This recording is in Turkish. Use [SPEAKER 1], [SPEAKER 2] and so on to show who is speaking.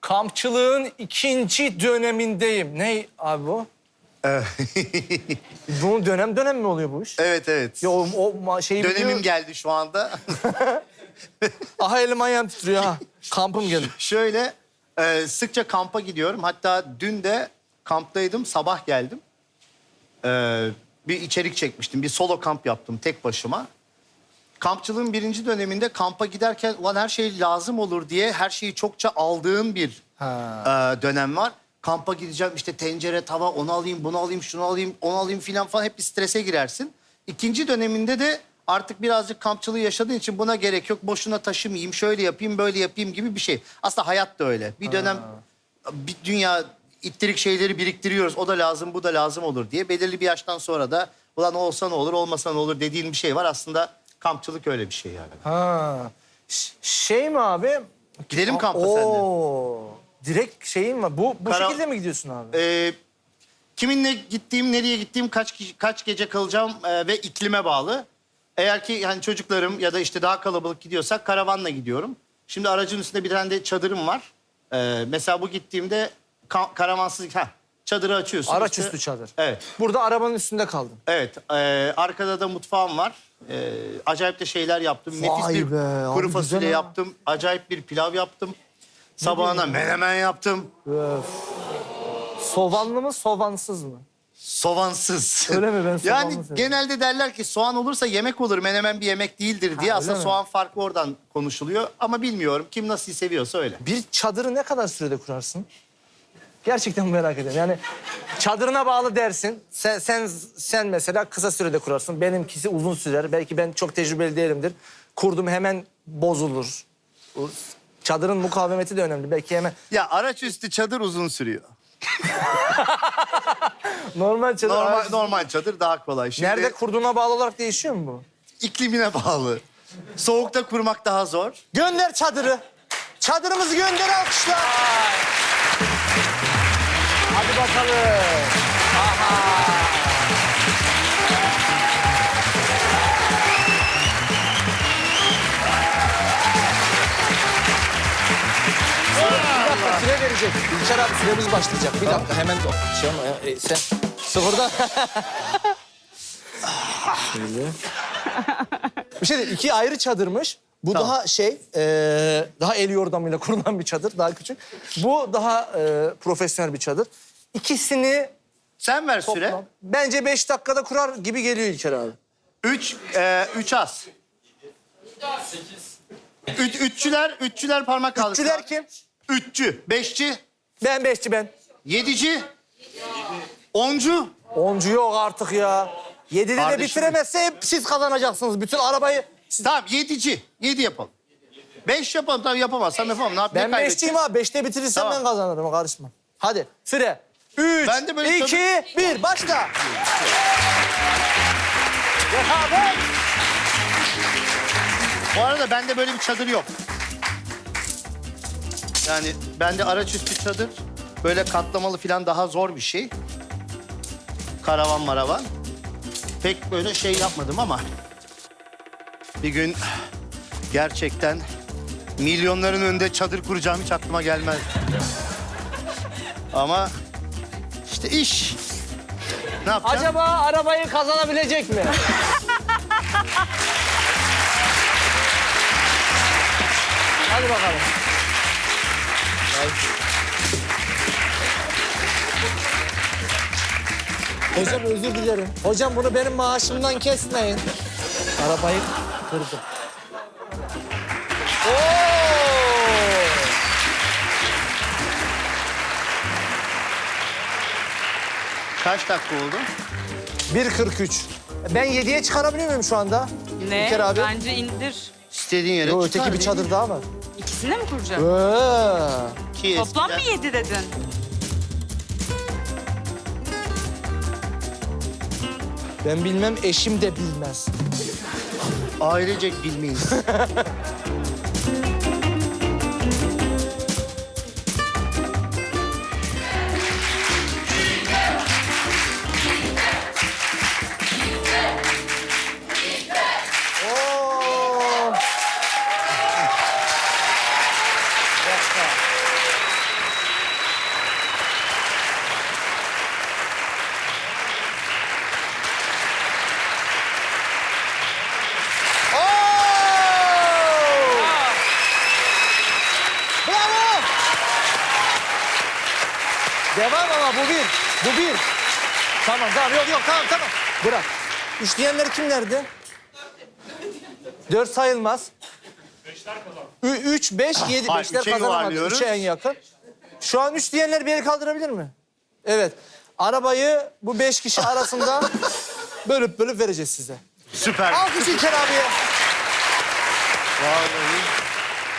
[SPEAKER 1] Kampçılığın ikinci dönemindeyim. Ne abi bu? Bu dönem mi oluyor bu iş?
[SPEAKER 2] Evet, evet.
[SPEAKER 1] Ya şeyi
[SPEAKER 2] Dönemim
[SPEAKER 1] biliyor.
[SPEAKER 2] geldi şu anda.
[SPEAKER 1] Aha elim ayağım titriyor ha. Kampım geldi.
[SPEAKER 2] Şöyle, sıkça kampa gidiyorum. Hatta dün de kamptaydım, sabah geldim. Bir içerik çekmiştim, bir solo kamp yaptım tek başıma. Kampçılığın birinci döneminde kampa giderken ulan her şey lazım olur diye her şeyi çokça aldığın bir dönem var. Kampa gideceğim işte tencere, tava, onu alayım, bunu alayım, şunu alayım, onu alayım filan falan hep bir strese girersin. İkinci döneminde de artık birazcık kampçılığı yaşadığın için buna gerek yok. Boşuna taşımayayım, şöyle yapayım, böyle yapayım gibi bir şey. Aslında hayat da öyle. Bir dönem bir dünya ittirik şeyleri biriktiriyoruz. O da lazım, bu da lazım olur diye. Belirli bir yaştan sonra da ulan olsa ne olur, olmasa ne olur dediğin bir şey var. Aslında kampçılık öyle bir şey yani.
[SPEAKER 1] Ha. Şey mi abi?
[SPEAKER 2] Gidelim kampa seninle.
[SPEAKER 1] Oo. Direkt şeyin mi? Bu
[SPEAKER 2] Kara-
[SPEAKER 1] şekilde mi gidiyorsun abi?
[SPEAKER 2] Kiminle gittiğim, nereye gittiğim, kaç gece kalacağım ve iklime bağlı. Eğer ki yani çocuklarım ya da işte daha kalabalık gidiyorsak karavanla gidiyorum. Şimdi aracın üstünde bir tane de çadırım var. Mesela bu gittiğimde karavansız... çadırı açıyorsun.
[SPEAKER 1] Araç
[SPEAKER 2] işte.
[SPEAKER 1] üstü çadır.
[SPEAKER 2] Evet.
[SPEAKER 1] Burada arabanın üstünde kaldın.
[SPEAKER 2] Evet. Arkada da mutfağım var. Acayip de şeyler yaptım.
[SPEAKER 1] Vay
[SPEAKER 2] Nefis bir
[SPEAKER 1] be, abi
[SPEAKER 2] kuru
[SPEAKER 1] güzel
[SPEAKER 2] fasulye
[SPEAKER 1] ha.
[SPEAKER 2] yaptım. Acayip bir pilav yaptım. Sabahına menemen yaptım.
[SPEAKER 1] Öf. Soğanlı mı, soğansız mı?
[SPEAKER 2] Soğansız.
[SPEAKER 1] Öyle mi? Ben soğanlı
[SPEAKER 2] Yani
[SPEAKER 1] seviyorum.
[SPEAKER 2] genelde derler ki soğan olursa yemek olur, menemen bir yemek değildir diye.
[SPEAKER 1] Ha,
[SPEAKER 2] Aslında
[SPEAKER 1] öyle mi?
[SPEAKER 2] soğan farkı oradan konuşuluyor. Ama bilmiyorum. Kim nasıl seviyorsa öyle.
[SPEAKER 1] Bir çadırı ne kadar sürede kurarsın? Gerçekten merak ediyorum. Yani çadırına bağlı dersin. Sen mesela kısa sürede kurarsın. Benimkisi uzun sürer. Belki ben çok tecrübeli değilimdir. Kurdum hemen bozulur. Çadırın mukavemeti de önemli. Belki hemen
[SPEAKER 2] Ya araç üstü çadır uzun sürüyor.
[SPEAKER 1] normal çadır.
[SPEAKER 2] Normal çadır daha kolay. Şimdi
[SPEAKER 1] Nerede kurduğuna bağlı olarak değişiyor mu bu?
[SPEAKER 2] iklimine bağlı. Soğukta kurmak daha zor.
[SPEAKER 1] Gönder çadırı. Çadırımızı gönder alkışlar. Hadi bakalım. Bir dakika süre verecek. İlker abi süremiz başlayacak. Bir dakika hemen şey ama sen sıfırda. Şöyle. Bir şey değil, iki ayrı çadırmış. Bu
[SPEAKER 2] Tamam.
[SPEAKER 1] daha daha el yordamıyla kurulan bir çadır, daha küçük. Bu daha profesyonel bir çadır. İkisini
[SPEAKER 2] Sen ver süre.
[SPEAKER 1] toplam. Bence 5 dakikada kurar gibi geliyor İlker abi.
[SPEAKER 2] 3 az. Üççüler parmak kaldı.
[SPEAKER 1] Üççüler kim?
[SPEAKER 2] Üççü, beşçi,
[SPEAKER 1] Ben beşçi ben.
[SPEAKER 2] yedici, oncu.
[SPEAKER 1] Oncu yok artık ya. 7'de de
[SPEAKER 2] Kardeşim.
[SPEAKER 1] bitiremezse hep siz kazanacaksınız. Bütün arabayı...
[SPEAKER 2] Tamam yedici. 7 yapalım. 5 yapalım. Tamam yapamazsam yapamam. Ne yapayım?
[SPEAKER 1] Ben beşçiyim abi. 5'te bitirirsem
[SPEAKER 2] Tamam.
[SPEAKER 1] ben kazanırım. Karışma. Hadi süre. 3,
[SPEAKER 2] Ben de böyle
[SPEAKER 1] 2, 1 başla. Rekabet.
[SPEAKER 2] Bu arada bende böyle bir çadır yok. Yani bende araç üstü çadır. Böyle katlamalı falan daha zor bir şey. Karavan maravan. Pek böyle şey yapmadım ama... Bir gün gerçekten milyonların önünde çadır kuracağım hiç aklıma gelmez. Ama işte iş. Ne yapacağım?
[SPEAKER 1] Acaba arabayı kazanabilecek mi? Hadi bakalım. Hocam özür dilerim. Hocam bunu benim maaşımdan kesmeyin. Arabayı kırdım. Oo!
[SPEAKER 2] Kaç dakika oldu?
[SPEAKER 1] 1.43. Ben 7'ye çıkarabiliyor muyum şu anda?
[SPEAKER 3] Ne?
[SPEAKER 1] İlker abi.
[SPEAKER 3] Bence indir.
[SPEAKER 2] İstediğin yere
[SPEAKER 1] Yo,
[SPEAKER 2] çıkar,
[SPEAKER 1] öteki bir
[SPEAKER 2] değil mi?
[SPEAKER 1] çadır daha var.
[SPEAKER 3] İkisini mi kuracak?
[SPEAKER 1] Ee,
[SPEAKER 2] Ki
[SPEAKER 3] Toplam mı
[SPEAKER 2] eskiden-
[SPEAKER 3] 7 dedin?
[SPEAKER 1] ben bilmem, eşim de bilmez.
[SPEAKER 2] Ailecek bilmeyiz.
[SPEAKER 1] Oo! Bir dakika. Devam ama bu bir. Bu bir. Tamam yok tamam. Bırak. Üç diyenler kimlerdi? 4 sayılmaz. 3, 5, 7.
[SPEAKER 2] Hayır,
[SPEAKER 1] Beşler
[SPEAKER 2] üçe
[SPEAKER 1] kazanamadı.
[SPEAKER 2] yuvarlıyoruz.
[SPEAKER 1] 3'e en yakın. Şu an 3 diyenler bir el kaldırabilir mi? Evet. Arabayı bu 5 kişi arasında bölüp vereceğiz size.
[SPEAKER 2] Süper.
[SPEAKER 1] Alkış İlker abiye.
[SPEAKER 2] Vallahi